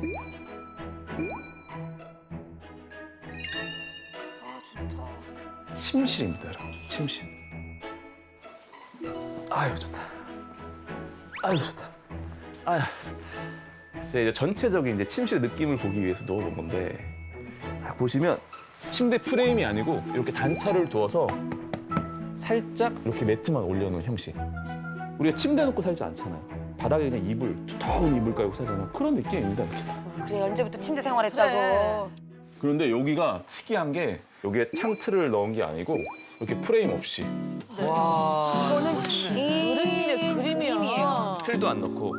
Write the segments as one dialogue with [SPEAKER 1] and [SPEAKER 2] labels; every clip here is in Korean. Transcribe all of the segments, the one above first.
[SPEAKER 1] 좋다.
[SPEAKER 2] 침실입니다, 여러분. 침실. 아유, 좋다. 아유, 좋다. 아유, 좋다. 제가 이제 전체적인 이제 침실의 느낌을 보기 위해서 넣어본 건데, 딱 보시면 침대 프레임이 아니고 이렇게 단차를 두어서 살짝 이렇게 매트만 올려놓은 형식. 우리가 침대 놓고 살지 않잖아요. 바닥에 그냥 이불, 두터운 이불 깔고 살잖아요. 그런 느낌입니다, 이렇게.
[SPEAKER 1] 그래, 언제부터 침대 생활했다고.
[SPEAKER 2] 그런데 여기가 특이한 게 여기에 창틀을 넣은 게 아니고 이렇게 프레임 없이
[SPEAKER 1] 이거는 그림이에요.
[SPEAKER 2] 틀도 안 넣고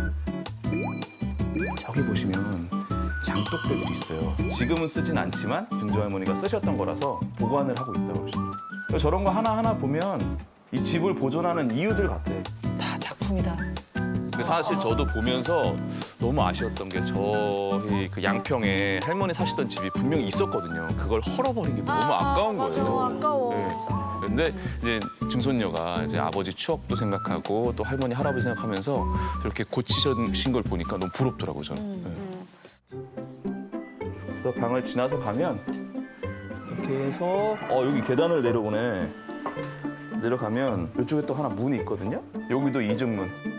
[SPEAKER 2] 저기 보시면 장독대들이 있어요. 지금은 쓰진 않지만 준조 할머니가 쓰셨던 거라서 보관을 하고 있다고 하시더라고요. 저런 거 하나하나 보면 이 집을 보존하는 이유들 같아.
[SPEAKER 3] 다 작품이다.
[SPEAKER 2] 사실 저도 보면서 너무 아쉬웠던 게 저희 그 양평에 할머니 사시던 집이 분명히 있었거든요. 그걸 헐어버린 게 너무 아까운 거예요.
[SPEAKER 1] 너무 아까워.
[SPEAKER 2] 네. 근데 이제 증손녀가 이제 아버지 추억도 생각하고 또 할머니 할아버지 생각하면서 이렇게 고치신 걸 보니까 너무 부럽더라고요, 저는. 네. 그래서 방을 지나서 가면 이렇게 해서 여기 계단을 내려오네. 내려가면 이쪽에 또 하나 문이 있거든요. 여기도 이중문.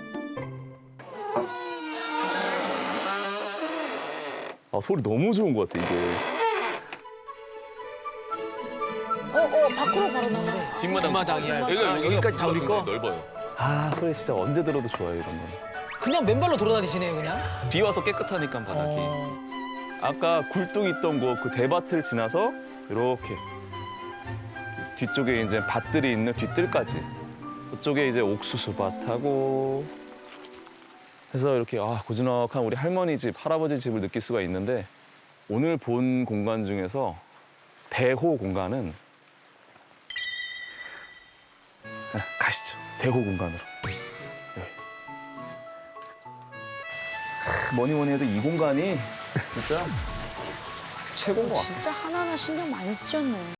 [SPEAKER 2] 소리 너무 좋은 것 같아, 이게.
[SPEAKER 1] 밖으로 바로 나가.
[SPEAKER 2] 뒷마당이야.
[SPEAKER 3] 여기까지 다 우리 거?
[SPEAKER 2] 넓어요. 소리 진짜 언제 들어도 좋아요, 이런 거.
[SPEAKER 3] 그냥 맨발로 돌아다니시네요, 그냥.
[SPEAKER 2] 비 와서 깨끗하니까 바닥이. 아까 굴뚝 있던 곳 그 대밭을 지나서 이렇게 뒤쪽에 이제 밭들이 있는 뒤뜰까지. 그쪽에 이제 옥수수밭하고 해서 이렇게 고즈넉한 우리 할머니 집, 할아버지 집을 느낄 수가 있는데 오늘 본 공간 중에서 대호 공간은 가시죠. 대호 공간으로. 네. 뭐니 해도 이 공간이 진짜 최고인 것 같아요.
[SPEAKER 1] 진짜 하나하나 신경 많이 쓰셨네.